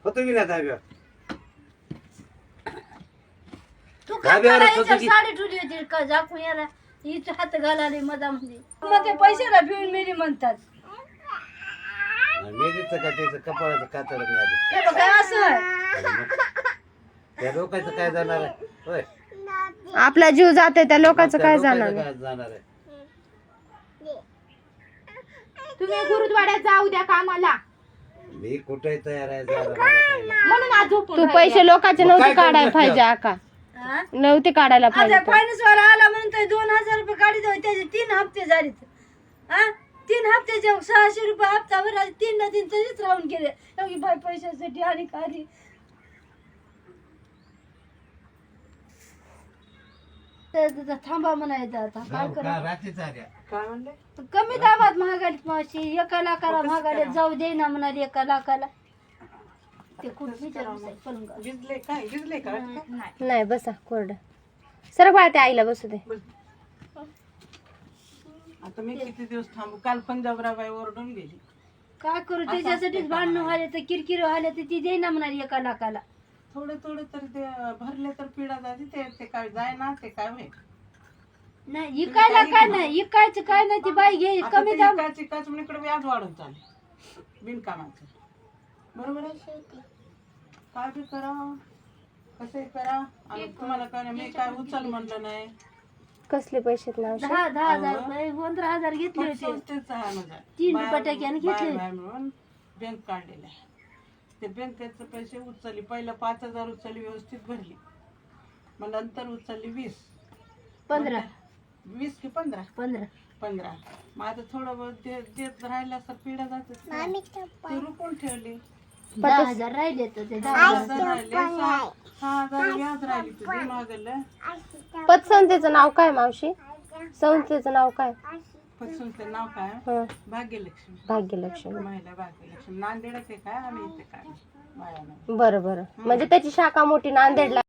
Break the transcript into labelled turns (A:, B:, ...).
A: होतो मी ना धाब्यावर.
B: तू
A: धाब्यावर
B: काय
A: होतो की
B: साडी ठेवली होती का झाकून याला हिच हात घालाले मधामध्ये मग ते पैशाला भिवून मेली म्हणतात
A: मेलीचं का त्याचं कपाळाचं कातड मिळाली.
B: हे बघ काय असं आहे.
A: त्या लोकांचं काय जाणार आहे होय?
C: आपला जीव जाते त्या लोकांचं
A: त्या
C: काय
A: लोकांचं
C: जाणार
A: काय जाणार आहे?
D: तुम्ही गुरुद्वाड्यात जाऊ द्या कामाला
A: मी कुठे तयार आहे जायला, मला काय नाही.
D: म्हणून आज झोपून
C: तू
D: राहिले.
C: पैसे लोकांचे
A: मग काय
C: नव्हते काढायला
A: करू
C: पाहिजे आका
B: हा?
C: नव्हते काढायला
B: आता
C: पाहिजे
B: फायनान्स वाला आला म्हणून ते 2000 रुपये गाडी जाऊ त्याचे 3 हप्ते झाले. हा 3 हप्त्याचे 600 रुपये हप्ता भर 3 ना 3 तसेच राहून गेले. एवढी बाई पैशासाठी आणि काही थांबा म्हणायचं आता काय
A: जाऊ
B: करा
A: का रात्रीच आल्या.
B: कमी दाबात महागाडीत मावशी 1 लाखाला महागाडीत जाऊ दे ना म्हणाली 1 लाखाला ते कुठं विचारू पलंग
C: नाही बसा कोरडं सर बाळ त्या आईला बसू दे
E: आता मी किती दिवस थांबू? काल पंजाबराबाई ओरडून गेली.
B: काय करू त्याच्यासाठीच भांडणं व्हायला तर किरकिर व्हायला तर ती देईना म्हणाली 1 लाखाला
E: थोडे थोडे तर ते भरले तर पिढा जाते ते काय जाय ना ते काय होईल.
B: नाही इकायला काय नाही इकायचं काय नाही ती बाई घे
E: आता
B: कमी
E: ते
B: दाम
E: इकाच म्हणून इकडे व्याज वाढून चालले बिनकामाचं. बरोबर आहे. काय बी करा कसंही करा आणि तुम्हाला काय नाही, मी काय उचल म्हणलं नाही.
C: कसले पैसे ना
B: 10,000 रुपये 15,000 घेतले होते
E: संस्थेचा आहे माझा
B: 3 रुपये टक्क्याने घेतले
E: म्हणून बँक काढलेला आहे. ते बँकेचे पैसे उचलली. पहिलं 5,000 उचलली व्यवस्थित भरली. मग नंतर उचलली 20
B: 15
E: 20 की 15
B: 15
E: मग आता थोडं बहुत देत राहिलं असं पिढा जात ते रुपून ठेवली.
B: 10,000 राहिले तर ते
E: 10,000 राहिले 6,000 व्याज राहिली तुझी मागलं.
C: पतसंस्थेचं नाव काय मावशी संस्थेचं नाव काय
E: पतसंस्थेचं नाव काय?
C: हं,
E: भाग्यलक्ष्मी.
C: भाग्यलक्ष्मी
E: महिला भाग्यलक्ष्मी. नांदेडच आहे काय? आम्ही इथे काय बाया नाही.
C: बरं बरं म्हणजे त्याची शाखा मोठी नांदेडला